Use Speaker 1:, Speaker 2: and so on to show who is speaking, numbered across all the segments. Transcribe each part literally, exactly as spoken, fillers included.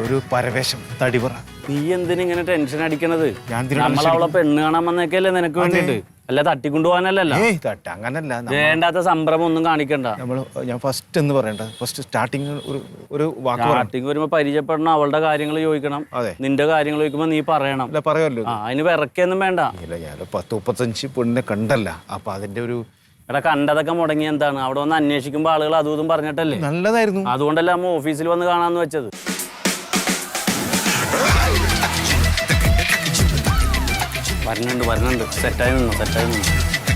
Speaker 1: ഒരു പരവേശം തടിപറ.
Speaker 2: നീ എന്തിനിങ്ങനെ ടെൻഷൻ അടിക്കണത്? നമ്മളവളെ പെണ്ണ് കാണാൻ വന്നേക്കല്ലേ നിനക്ക് വേണ്ടിട്ട്, അല്ല തട്ടിക്കൊണ്ടുപോകാനല്ലല്ലോ.
Speaker 1: അങ്ങനല്ല,
Speaker 2: വേണ്ടാത്ത സംഭ്രമം ഒന്നും കാണിക്കണ്ട.
Speaker 1: നമ്മൾ ഞാൻ ഫസ്റ്റ് എന്ന് പറയണ്ട, ഫസ്റ്റ് സ്റ്റാർട്ടിങ് ഒരു ഒരു വാക്ക്
Speaker 2: സ്റ്റാർട്ടിങ് വരുമ്പോ പരിചയപ്പെടണം, അവളുടെ കാര്യങ്ങൾ ചോദിക്കണം. നിന്റെ കാര്യങ്ങൾ ചോദിക്കുമ്പോ നീ പറയണം.
Speaker 1: പറയാമല്ലോ.
Speaker 2: അതിന് വിറക്കൊന്നും വേണ്ട.
Speaker 1: ഇല്ല, ഞാൻ പത്ത് മുപ്പത്തഞ്ച് പെണ്ണിനെ കണ്ടല്ല, അപ്പൊ അതിന്റെ ഒരു
Speaker 2: എടാ കണ്ടതൊക്കെ മുടങ്ങി എന്താണ്? അവിടെ വന്ന് അന്വേഷിക്കുമ്പോ ആളുകൾ അതും ഇതും പറഞ്ഞിട്ടല്ലേ.
Speaker 1: നല്ലതായിരുന്നു,
Speaker 2: അതുകൊണ്ടല്ലേ അമ്മ ഓഫീസിൽ വന്ന് കാണാന്ന് വെച്ചത്. വരണുണ്ട് വരണുണ്ട് സെറ്റായി നിന്നു സെറ്റായി നിന്നു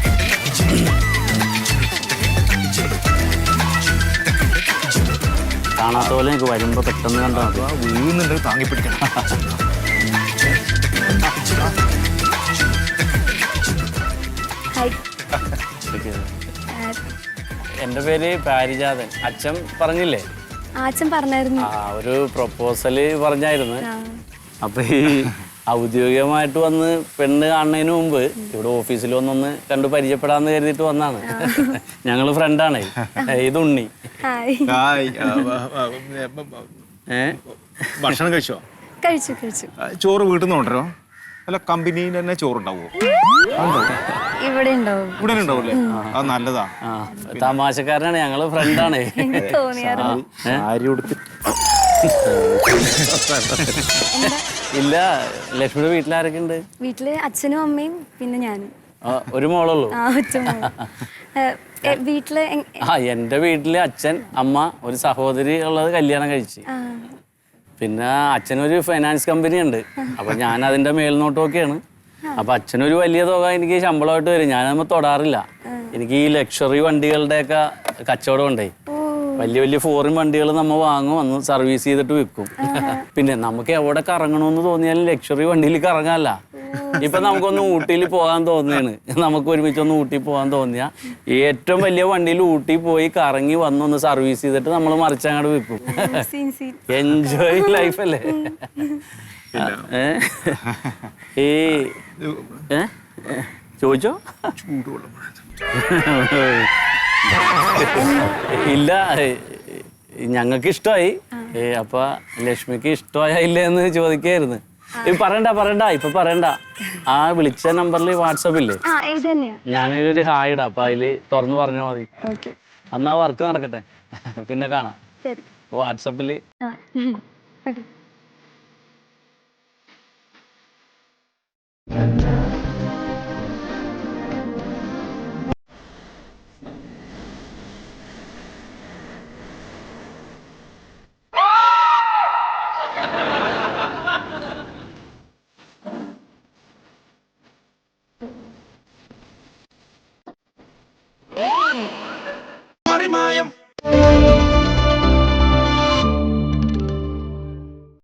Speaker 2: കാണാത്ത പോലെ എനിക്ക് വരുമ്പോ പെട്ടെന്ന് കണ്ടാൽ മതി.
Speaker 1: വീഴുന്നുണ്ട്, താങ്ങി പിടിക്കണം.
Speaker 2: എന്റെ പേര് പാരിജാതൻ. അച്ഛൻ പറഞ്ഞില്ലേ?
Speaker 3: അച്ഛൻ പറഞ്ഞായിരുന്നു.
Speaker 2: ആ ഒരു പ്രൊപ്പോസല് പറഞ്ഞായിരുന്നു. അപ്പൊ ഈ ഔദ്യോഗികമായിട്ട് വന്ന് പെണ്ണ് കാണുന്നതിന് മുമ്പ് ഇവിടെ ഓഫീസിൽ വന്നൊന്ന് കണ്ടു പരിചയപ്പെടാന്ന് കരുതിയിട്ട് വന്നാണ്. ഞങ്ങള് ഫ്രണ്ടാണേ. ഇത് ഉണ്ണി.
Speaker 1: ഏ ഭക്ഷണം കഴിച്ചോ?
Speaker 3: കഴിച്ചു കഴിച്ചു.
Speaker 1: ചോറ് വീട്ടിൽ നിന്ന് കൊണ്ടുവരോ? അല്ല കമ്പനിയിൽ തന്നെ ചോറുണ്ടാവോ?
Speaker 3: ഇവിടെ ഉണ്ടാവും.
Speaker 1: ഇവിടെ ഉണ്ടാവൂല്ലേ? അത് നല്ലതാ.
Speaker 2: തമാശക്കാരനാണ്, ഞങ്ങള് ഫ്രണ്ടാണേ. ഇല്ല, ലക്ഷ്മിയുടെ വീട്ടിലാരൊക്കെ ഉണ്ട്?
Speaker 3: വീട്ടില് അച്ഛനും അമ്മയും പിന്നെ ഞാനും.
Speaker 2: ഒരു മോളുള്ളൂ?
Speaker 3: വീട്ടില്
Speaker 2: ആ എന്റെ വീട്ടില് അച്ഛൻ, അമ്മ, ഒരു സഹോദരി ഉള്ളത് കല്യാണം കഴിച്ച്. പിന്നെ അച്ഛനൊരു ഫൈനാൻസ് കമ്പനി ഉണ്ട്. അപ്പൊ ഞാൻ അതിന്റെ മേൽനോട്ടമൊക്കെയാണ്. അപ്പൊ അച്ഛനൊരു വലിയ തുക എനിക്ക് ശമ്പളമായിട്ട് വരും. ഞാനതൊന്നും തൊടാറില്ല. എനിക്ക് ഈ ലക്ഷറി വണ്ടികളുടെയൊക്കെ കച്ചവടം ഉണ്ടേ. വലിയ വലിയ ഫോറിൻ വണ്ടികൾ നമ്മൾ വാങ്ങും, വന്ന് സർവീസ് ചെയ്തിട്ട് വിൽക്കും. പിന്നെ നമുക്ക് എവിടെ കറങ്ങണമെന്ന് തോന്നിയാലും ലക്ഷറി വണ്ടിയിൽ കറങ്ങാല്ല. ഇപ്പൊ നമുക്കൊന്ന് ഊട്ടിയിൽ പോകാൻ തോന്നിയാണ്, നമുക്ക് ഒരുമിച്ചൊന്ന് ഊട്ടി പോകാൻ തോന്നിയാ ഏറ്റവും വലിയ വണ്ടിയിൽ ഊട്ടി പോയി കറങ്ങി വന്നൊന്ന് സർവീസ് ചെയ്തിട്ട് നമ്മൾ മറിച്ചങ്ങോട്ട് വിൽക്കും. എൻജോയ് ലൈഫ് അല്ലേ? ഈ ഏ ചോദിച്ചോ? ഇല്ല, ഞങ്ങൾക്ക് ഇഷ്ടമായി. അപ്പൊ ലക്ഷ്മിക്ക് ഇഷ്ടമായ ഇല്ലെന്ന് ചോദിക്കായിരുന്നു. പറയണ്ട പറയണ്ട ഇപ്പൊ പറയണ്ട. ആ വിളിച്ച നമ്പറിൽ വാട്സാപ്പില്ലേ, ഞാനൊരു ഹായ് ഇടാം. അപ്പൊ അതില് തുറന്നു പറഞ്ഞാൽ മതി. അന്നാ വർക്ക് നടക്കട്ടെ, പിന്നെ കാണാം വാട്സാപ്പില്.
Speaker 4: Marimayam